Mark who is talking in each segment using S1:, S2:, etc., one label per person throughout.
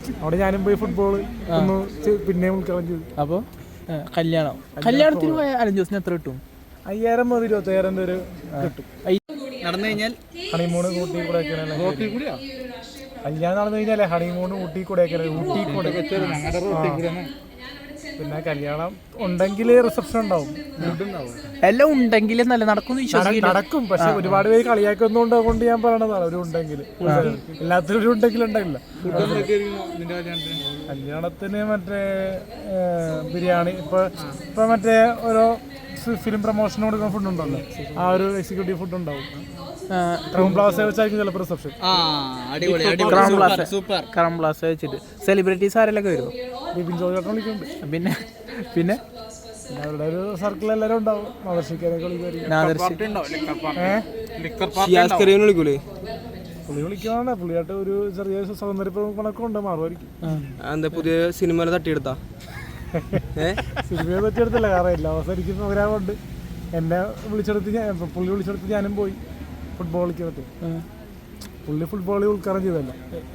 S1: അവിടെ ഞാനും പോയി ഫുട്ബോൾ പിന്നെ ഉൾക്കാരം ചെയ്തു.
S2: അപ്പോൾ കല്യാണത്തിന് പോയ അലഞ്ചോസിന് എത്ര കിട്ടും?
S1: 5000 മുതൽ 20000 വരെ കിട്ടും.
S2: നടന്നു കഴിഞ്ഞാൽ
S1: ഹണിമൂണ് ഊട്ടി കൊടൈക്കനാൽ. കല്യാണം നടന്നു കഴിഞ്ഞാലേ ഹണിമൂണ് ഊട്ടി കൊടൈക്കനാൽ. പിന്നെ കല്യാണം ഉണ്ടെങ്കിൽ റിസപ്ഷൻ ഉണ്ടാവും,
S2: എല്ലാം ഉണ്ടെങ്കിൽ നല്ല നടക്കും.
S1: പക്ഷെ ഒരുപാട് പേര് കളിയാക്കുന്നതുകൊണ്ട് അതുകൊണ്ട് ഞാൻ പറയണതാണ് ഒരു ഉണ്ടെങ്കിൽ. എല്ലാത്തിനും ഒരു ഉണ്ടെങ്കിൽ ഉണ്ടായില്ല. കല്യാണത്തിന് മറ്റേ ബിരിയാണി ഇപ്പൊ മറ്റേ ഓരോ ഫിലിം പ്രൊമോഷൻ കൊടുക്കുന്ന ഫുഡ് ഉണ്ടല്ലോ, ആ ഒരു എക്സിക്യൂട്ടീവ് ഫുഡ് ഉണ്ടാവും. ക്രൗൺ പ്ലാസ വെച്ചായിരിക്കും ചിലപ്പോൾ റിസപ്ഷൻ.
S2: ക്രൗൺ പ്ലാസ വെച്ചിട്ട് സെലിബ്രിറ്റീസ് ആരെല്ലാം വരുമോ?
S1: ബിപിൻ ജോർജ് വിളിക്കുന്നുണ്ട്.
S2: പിന്നെ
S1: അവരുടെ ഒരു സർക്കിൾ എല്ലാവരും ഉണ്ടാവും. ആദർശിക്കാനൊക്കെ പുള്ളി വിളിക്കാണ്. പുള്ളിയായിട്ട് ഒരു ചെറിയ സൗന്ദര്യ കണക്കും ഉണ്ട്, മാറുമായിരിക്കും.
S3: പുതിയ സിനിമ തട്ടിയെടുത്താ?
S1: സിനിമയെ തട്ടിയെടുത്തില്ല, കാരണം എല്ലാ ദിവസം എനിക്ക് പ്രോഗ്രാമുണ്ട്. എന്നെ പുള്ളി വിളിച്ചെടുത്ത് ഞാനും പോയി ഫുട്ബോൾ കളിക്കാൻ. പുള്ളി ഫുട്ബോൾ ഉൾക്കാരം ചെയ്തല്ലോ,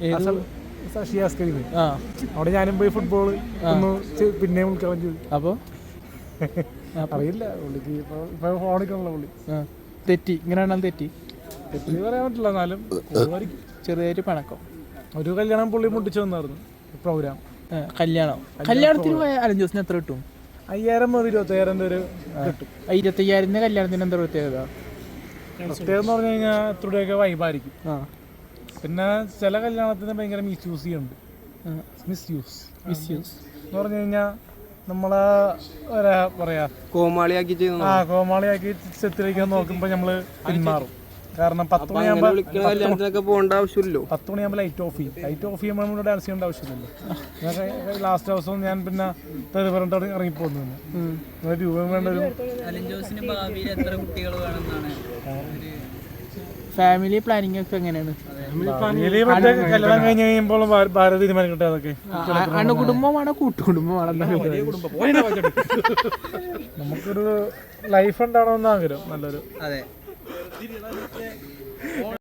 S1: അവിടെ ഞാനും പോയി ഫുട്ബോൾ പിന്നെ ഉൾക്കാരം ചെയ്തു.
S2: അപ്പോൾ
S1: അറിയില്ല പുള്ളിക്ക് ഇപ്പൊ ഫോണിക്കാണല്ലോ പുള്ളി.
S2: തെറ്റി ഇങ്ങനെയാണെന്ന് തെറ്റി
S1: പറയാൻ പറ്റില്ല. എന്നാലും
S2: ചെറിയൊരു പണക്കം.
S1: ഒരു കല്യാണം പുള്ളി മുട്ടിച്ചു വന്നായിരുന്നു പ്രോഗ്രാം.
S2: കല്യാണത്തിന് പോയ അലഞ്ചോസിന് എത്ര കിട്ടും?
S1: 5000 മുതൽ 20000 വരെ കിട്ടും.
S2: 25000 കല്യാണത്തിന് എന്താ പ്രത്യേകത?
S1: പ്രത്യേകത എന്ന് പറഞ്ഞു കഴിഞ്ഞാൽ ഇത്രയൊക്കെ വൈബായിരിക്കും. പിന്നെ ചില കല്യാണത്തിന് ഭയങ്കര മിസ്യൂസ് ചെയ്യുന്നുണ്ട്. മിസ്യൂസ് എന്ന് പറഞ്ഞു കഴിഞ്ഞാൽ നമ്മളെ പറയാ കോമാളിയാക്കി ചിത്രീകരിക്കാൻ നോക്കുമ്പോൾ നമ്മള് പിന്മാറും. കാരണം 10 മണിയാകുമ്പോൾ ലൈറ്റ് ഓഫ് ചെയ്യും. ലൈറ്റ് ഓഫ് ചെയ്യുമ്പോൾ നമ്മൾ ഡാൻസ് ചെയ്യേണ്ട ആവശ്യമില്ലല്ലോ. ലാസ്റ്റ് ദിവസം ഞാൻ പിന്നെ പറഞ്ഞിട്ട് ഇറങ്ങിപ്പോന്നു. രൂപം വേണ്ട ഒരു
S2: ഫാമിലി പ്ലാനിങ് ഒക്കെ എങ്ങനെയാണ്?
S1: കല്യാണം കഴിഞ്ഞ് കഴിയുമ്പോൾ ഭാര്യ തീരുമാനിക്കട്ടെ. അതൊക്കെ
S2: അണുകുടുംബമാണോ കൂട്ടുകുടുംബമാണോ?
S1: നമുക്കൊരു ലൈഫ് ഉണ്ടാവണമെന്ന് ആഗ്രഹം. നല്ലൊരു